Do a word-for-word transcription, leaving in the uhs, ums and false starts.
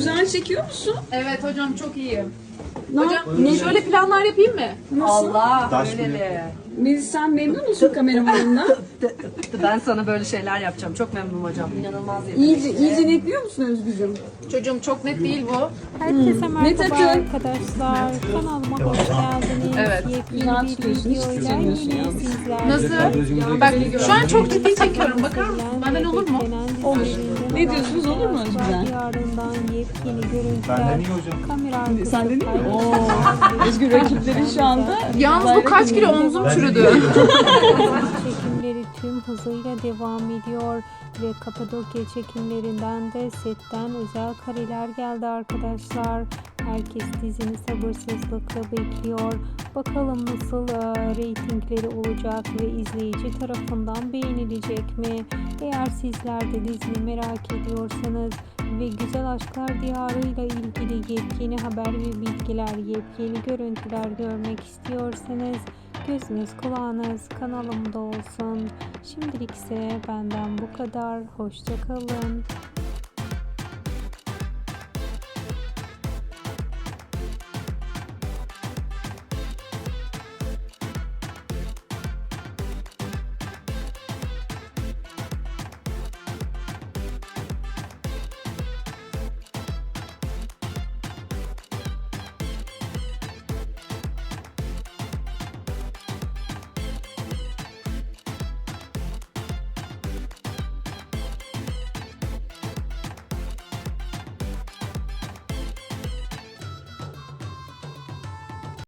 Güzel çekiyor musun? Evet hocam çok iyiyim. Ne Hocam yap- ne- şöyle planlar yapayım mı? Nasıl? Allah Taş öyle gibi. de. Melis sen memnun musun kameramanından? Ben sana böyle şeyler yapacağım. Çok memnunum hocam. İnanılmaz yetenekli. iyice, iyice netliyor musun Özgücüm? Çocuğum çok net değil bu. Herkese Ne merhaba takın? arkadaşlar. Kanalıma hoş geldiniz. Evet. Yepyeni Güzel bir tutuyorsun, hiç videoyla tutamıyorsun yine yalnız. sizlerle. Nasıl? Bak şu an çok ciddi çekiyorum. Bakar mısın? Benden olur mu? Olur. Ne diyorsunuz, olur mu Özgür? Diyarından yepyeni görüntüler. Benden iyi hocam. Kamera arkası Sen de değil mi? paylaşımlar. Oo. Özgür rakiplerin şu anda. Yalnız bu kaç kilo omzum çürüdü. Çekimleri tüm hızıyla devam ediyor ve Kapadokya çekimlerinden de setten özel kareler geldi arkadaşlar. Herkes dizini sabırsızlıkla bekliyor. Bakalım nasıl e, reytingleri olacak ve izleyici tarafından beğenilecek mi? Eğer sizler de diziyi merak ediyorsanız ve Güzel Aşklar Diyarı ile ilgili yepyeni haber ve bilgiler, yepyeni görüntüler görmek istiyorsanız gözünüz kulağınız kanalımda olsun. Şimdilik ise benden bu kadar. Hoşça kalın.